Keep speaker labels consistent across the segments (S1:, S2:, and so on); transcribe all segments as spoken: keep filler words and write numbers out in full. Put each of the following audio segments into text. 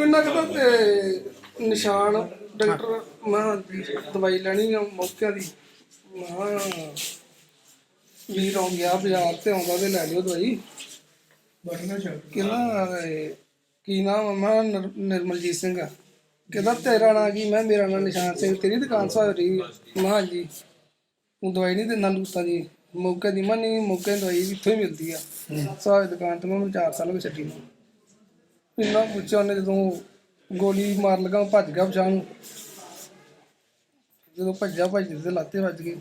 S1: ਇਹਨਾਂ ਦਾ ਤੇ ਨਿਸ਼ਾਨ ਡਾਕਟਰ ਮੈਂ ਦਵਾਈ ਲੈਣੀ ਆ ਮੌਕੇ ਦੀ ਮੈਂ ਵੀਰ ਆ ਗਿਆ ਬਾਜ਼ਾਰ ਤੇ ਆਉਂਦਾ ਤੇ ਲੈ ਲਿਓ ਦਵਾਈ ਕਹਿੰਦਾ ਕੀ ਨਾਮ ਮੈਂ ਨਿਰਮਲਜੀਤ ਸਿੰਘ ਆ ਕਹਿੰਦਾ ਤੇਰਾ ਨਾਂ ਕੀ ਮੈਂ ਮੇਰਾ ਨਾਂ ਨਿਸ਼ਾਨ ਸਿੰਘ ਤੇਰੀ ਦੁਕਾਨ ਸਵਾਰ ਰਹੀ ਮੈਂ ਹਾਂਜੀ ਤੂੰ ਦਵਾਈ ਨਹੀਂ ਦਿੰਦਾ ਲੂਤਾਂ ਦੀ ਮੌਕੇ ਦੀ ਮੈਂ ਨਹੀਂ ਮੌਕੇ ਦੀ ਦਵਾਈ ਇੱਥੋਂ ਹੀ ਮਿਲਦੀ ਆ ਸਵਾਰ ਦੁਕਾਨ ਤੋਂ ਮੈਂ ਚਾਰ ਸਾਲ ਹੋ ਗਏ ਛੱਡੀ ਨੂੰ ਇੰਨਾ ਪੁੱਛਿਆ ਉਹਨੇ ਜਦੋਂ ਗੋਲੀ ਮਾਰ ਲਗਾ ਭੱਜ ਗਿਆ ਪਛਾਣ ਨੂੰ ਜਦੋਂ ਭੱਜਿਆ ਭੱਜਦੇ ਤੇ ਲਾਤੇ ਵੱਜ ਗਏ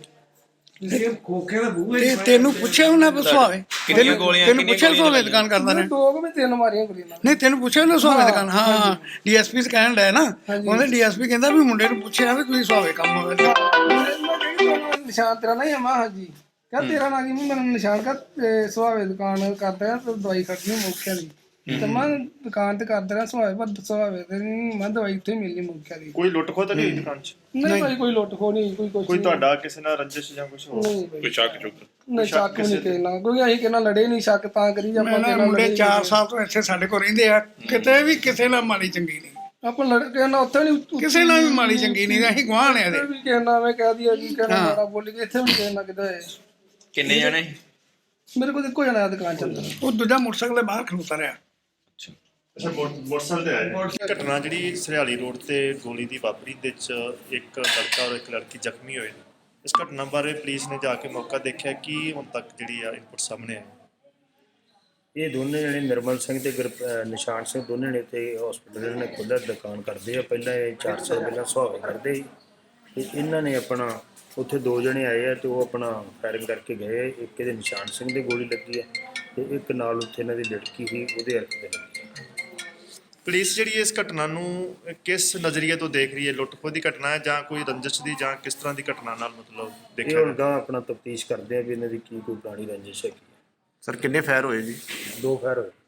S2: ਤੇ ਤੈਨੂੰ ਪੁੱਛਿਆ ਉਹਨਾਂ ਕੋ ਸੁਹਾਵੇ ਤੈਨੂੰ ਪੁੱਛਿਆ ਸੁਹਾਵੇ ਦੁਕਾਨ ਕਰਦਾ ਨੇ
S1: ਦੋ ਕੁ ਤਿੰਨ ਮਾਰੀਆਂ ਗੋਲੀਆਂ
S2: ਨਹੀਂ ਤੈਨੂੰ ਪੁੱਛਿਆ ਉਹਨੇ ਸੁਹਾਵੇ ਦੁਕਾਨ ਹਾਂ ਡੀਐਸਪੀ ਸੇ ਕਹਿਣ ਡਿਆ ਨਾ ਉਹਨੇ ਡੀਐਸਪੀ ਕਹਿੰਦਾ ਵੀ ਮੁੰਡੇ ਨੂੰ ਪੁੱਛਿਆ ਵੀ ਤੁਸੀਂ ਸੁਹਾਵੇ ਕੰਮ ਹੋਵੇ
S1: ਨਿਸ਼ਾਨ ਤੇਰਾ ਨਹੀਂ ਆਮਾ ਹਾਂਜੀ ਕਹ ਤੇਰਾ ਨਾਂ ਕੀ ਮੈਨੂੰ ਨਿਸ਼ਾਨ ਕਰ ਸੁਹਾਵੇ ਦੁਕਾਨ ਕਰਦਾ ਤੇ ਦਵਾਈ ਖੜਨੀ ਮੌਕੇ ਦੀ ਤੇ ਮੈਂ ਦੁਕਾਨ ਤੇ ਕਰਦਾ ਰਿਹਾ ਸੁਹਾਵੇ ਪਰ ਸੁਹਾਵੇ ਤੇ ਨਹੀਂ ਮੈਂ ਦਵਾਈ ਇੱਥੇ ਮਿਲਣੀ ਮੌਕੇ ਦੀ
S3: ਕੋਈ ਲੁੱਟ ਖੋਹ ਤਾਂ ਨਹੀਂ ਦੁਕਾਨ 'ਚ
S1: ਨਹੀਂ ਭਾਈ ਕੋਈ ਲੁੱਟ ਖੋ ਨਹੀਂ ਕੋਈ ਕੁਛ
S3: ਕੋਈ ਤੁਹਾਡਾ ਕਿਸੇ ਨਾਲ ਰੰਜਿਸ਼ ਜਾਂ ਕੁਝ ਹੋਰ
S1: ਕੋਈ
S4: ਸ਼ੱਕ ਚੁੱਕ
S1: ਨਹੀਂ ਸ਼ੱਕ ਨਹੀਂ ਕਹਿਣਾ ਕੋਈ ਅਸੀਂ ਕਿਹਨਾਂ ਲੜੇ ਨਹੀਂ ਸ਼ੱਕ ਤਾਂ ਕਰੀ ਆਪਾਂ
S2: ਮੈਂ ਮੁੰਡੇ ਚਾਰ ਸਾਲ ਤੋਂ ਇੱਥੇ ਸਾਡੇ ਕੋਲ ਰਹਿੰਦੇ ਆ ਕਿਤੇ ਵੀ ਕਿਸੇ ਨਾਲ ਮਾੜੀ ਚੰਗੀ ਨਹੀਂ
S1: ਆਪਾਂ ਲੜ ਕੇ ਨਾ ਉੱਥੇ ਨਹੀਂ
S2: ਕਿਸੇ ਨਾਲ ਵੀ ਮਾੜੀ ਚੰਗੀ ਨਹੀਂ ਅਸੀਂ ਗਵਾਹ ਆ
S1: ਵੀ ਕਹਿਣਾ ਮੈਂ ਕਹਿ ਦਿਆ ਜੀ ਕਹਿਣਾ ਮਾੜਾ ਬੋਲੀ ਕੇ ਇੱਥੇ ਵੀ ਕਹਿਣਾ ਕਿਦਾ
S4: ਕਿੰਨੇ ਜਣੇ
S1: ਮੇਰੇ ਕੋਲ ਇੱਕੋ ਜਣਾ ਦੁਕਾਨ ਚੱਲਦਾ
S2: ਉਹ ਦੂਜਾ ਮੋਟਰਸਾਈਕਲ ਦੇ ਬਾਹਰ ਖਲੋਤਾ ਰਿਹਾ
S3: ਅੱਛਾ ਮੋਟਰਸਾਈਕਲ ਤੇ ਆਇਆ ਘਟਨਾ ਜਿਹੜੀ ਸਰਿਆਲੀ ਰੋਡ ਤੇ ਗੋਲੀ ਦੀ ਵਾਪਰੀ ਦੇ ਵਿੱਚ ਇੱਕ ਲੜਕਾ ਔਰ ਇੱਕ ਲੜਕੀ ਜ਼ਖਮੀ ਹੋਏ ਇਸ ਘਟਨਾ ਬਾਰੇ ਪੁਲਿਸ ਨੇ ਜਾ ਕੇ ਮੌਕਾ ਦੇਖਿਆ ਕਿ ਹੁਣ ਤੱਕ ਜਿਹੜੀ ਆ ਇਨਪੁਟ ਸਾਹਮਣੇ ਆਈ
S5: ਇਹ ਦੋਨੇ ਜਣੇ ਨਿਰਮਲ ਸਿੰਘ ਤੇ ਨਿਸ਼ਾਨ ਸਿੰਘ ਦੋਨੇ ਨੇ ਤੇ ਹਸਪੀਟਲ ਨੇ ਖੁੱਲ੍ਹਾ ਦੁਕਾਨ ਕਰਦੇ ਆ ਪਹਿਲਾਂ ਇਹ ਚਾਰ ਸਾਲ ਪਹਿਲਾਂ ਸੁਹਾਵੇ ਕਰਦੇ ਸੀ ਤੇ ਇਹਨਾਂ ਨੇ ਆਪਣਾ ਉੱਥੇ ਦੋ ਜਣੇ ਆਏ ਆ ਤੇ ਉਹ ਆਪਣਾ ਫਾਇਰਿੰਗ ਕਰਕੇ ਗਏ ਇੱਕ ਇਹਦੇ ਨਿਸ਼ਾਨ ਸਿੰਘ ਦੇ ਗੋਲੀ ਲੱਗੀ ਆ ਤੇ ਇੱਕ ਨਾਲ ਉੱਥੇ ਇਹਨਾਂ ਦੀ ਲੜਕੀ ਸੀ ਉਹਦੇ ਹੱਥ ਤੇ ਲੱਗੀ
S3: ਪੁਲਿਸ ਜਿਹੜੀ ਇਸ ਘਟਨਾ ਨੂੰ ਕਿਸ ਨਜ਼ਰੀਏ ਤੋਂ ਦੇਖ ਰਹੀ ਹੈ ਲੁੱਟ ਖੋਹ ਦੀ ਘਟਨਾ ਹੈ ਜਾਂ ਕੋਈ ਰੰਜਿਸ਼ ਦੀ ਜਾਂ ਕਿਸ ਤਰ੍ਹਾਂ ਦੀ ਘਟਨਾ ਨਾਲ ਮਤਲਬ
S5: ਇਹ
S3: ਦੇਖਿਆ
S5: ਹੁਣ ਗਾਂਹ ਆਪਣਾ ਤਫਤੀਸ਼ ਕਰਦੇ ਆ ਵੀ ਇਹਨਾਂ ਦੀ ਕੀ ਕੋਈ ਪੁਰਾਣੀ ਰੰਜਿਸ਼ ਹੈ
S4: ਸਰ ਕਿੰਨੇ ਫਾਇਰ ਹੋਏ ਜੀ
S5: ਦੋ ਫਾਇਰ ਹੋਏ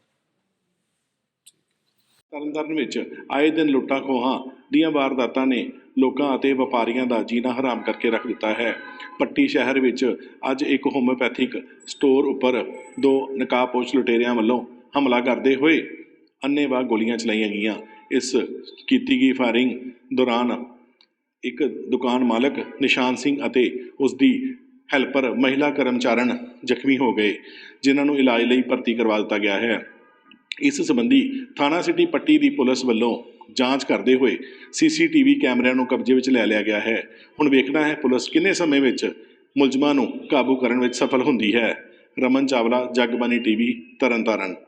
S6: ਤਰਨਤਾਰਨ ਵਿੱਚ ਆਏ ਦਿਨ ਲੁੱਟਾਂ ਖੋਹਾਂ ਦੀਆਂ ਵਾਰਦਾਤਾਂ ਨੇ ਲੋਕਾਂ ਅਤੇ ਵਪਾਰੀਆਂ ਦਾ ਜੀਣਾ ਹਰਾਮ ਕਰਕੇ ਰੱਖ ਦਿੱਤਾ ਹੈ। ਪੱਟੀ ਸ਼ਹਿਰ ਵਿੱਚ ਅੱਜ ਇੱਕ ਹੋਮਿਓਪੈਥਿਕ ਸਟੋਰ ਉੱਪਰ ਦੋ ਨਕਾਬਪੋਸ਼ ਲੁਟੇਰਿਆਂ ਵੱਲੋਂ ਹਮਲਾ ਕਰਦੇ ਹੋਏ ਅੰਨ੍ਹੇਵਾਹ ਗੋਲੀਆਂ ਚਲਾਈਆਂ ਗਈਆਂ। ਇਸ ਕੀਤੀ ਗਈ ਫਾਇਰਿੰਗ ਦੌਰਾਨ ਇੱਕ ਦੁਕਾਨ ਮਾਲਕ ਨਿਸ਼ਾਨ ਸਿੰਘ ਅਤੇ ਉਸ ਦੀ ਹੈਲਪਰ ਮਹਿਲਾ ਕਰਮਚਾਰਨ ਜ਼ਖਮੀ ਹੋ ਗਏ ਜਿਨ੍ਹਾਂ ਨੂੰ ਇਲਾਜ ਲਈ ਭਰਤੀ ਕਰਵਾ ਦਿੱਤਾ ਗਿਆ ਹੈ। ਇਸ ਸੰਬੰਧੀ ਥਾਣਾ ਸਿਟੀ ਪੱਟੀ ਦੀ ਪੁਲਿਸ ਵੱਲੋਂ ਜਾਂਚ ਕਰਦੇ ਹੋਏ ਸੀਸੀਟੀਵੀ ਕੈਮਰਿਆਂ ਨੂੰ ਕਬਜ਼ੇ ਵਿੱਚ ਲੈ ਲਿਆ ਗਿਆ ਹੈ। ਹੁਣ ਵੇਖਣਾ ਹੈ ਪੁਲਿਸ ਕਿੰਨੇ ਸਮੇਂ ਵਿੱਚ ਮੁਲਜ਼ਮਾਂ ਨੂੰ ਕਾਬੂ ਕਰਨ ਵਿੱਚ ਸਫਲ ਹੁੰਦੀ ਹੈ। ਰਮਨ ਚਾਵਲਾ, ਜਗਬਾਣੀ ਟੀਵੀ, ਤਰਨਤਾਰਨ।